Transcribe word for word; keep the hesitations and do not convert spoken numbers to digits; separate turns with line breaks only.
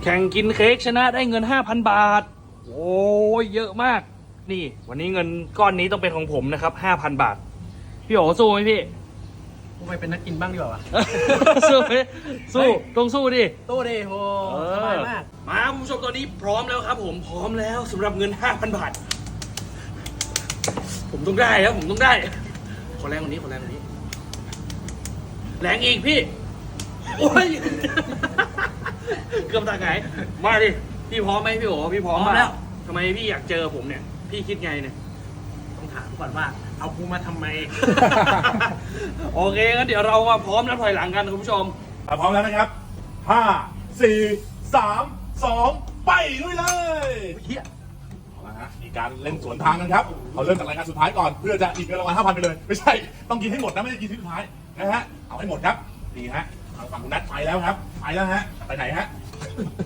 ข่งกินเค้กชนะได้เงิน ห้าพัน บาท โอ้ยเยอะมาก นี่ วันนี้เงินก้อนนี้ต้องเป็นของผมนะครับ ห้าพัน บาท พี่โอสู้ไหมพี่
กูไปเป็นนักกินบ้างดีกว่าวะ
สู้ไหมสู้ต้องสู้ดิ
ตู้ดิโหสบายมาก
มาคุณผู้ชมตอนนี้พร้อมแล้วครับ ผมพร้อมแล้วสำหรับเงิน ห้าพัน บาท ผมต้องได้ครับผมต้องได้ ขอแรงกว่านี้ขอแรงกว่านี้ แรงอีกพี่ โอ้ย เกือบตาหงายมาดิ พี่พร้อมไหมพี่โอพี่พร้อม
พร้อมแล้ว
ทำไมพี่อยากเจอผมเนี่ย พี่คิดไงเนี่ย
ต้องถามก่อนว่า เอากูมาทำไม
โอเคงั้นเดี๋ยวเรามาพร้อมนับถอยหลังกันคุณผู้ชม
ถ้าพร้อมแล้วนะครับห้า สี่ สาม สอง ไปลุยเลย
เฮีย
เอาละฮะมีการเล่นสวนทางกันครับเราเริ่มจากรายการสุดท้ายก่อนเพื่อจะอีกเงินรางวัลห้าพันไปเลย ไม่ใช่ ต้องกินให้หมดนะไม่ใช่กินที่สุดท้ายนะฮะ เอาให้หมดครับ ดีฮะทางฝั่งคุณนัทไปแล้วครับ ไปแล้วฮะ ไปไหนฮะ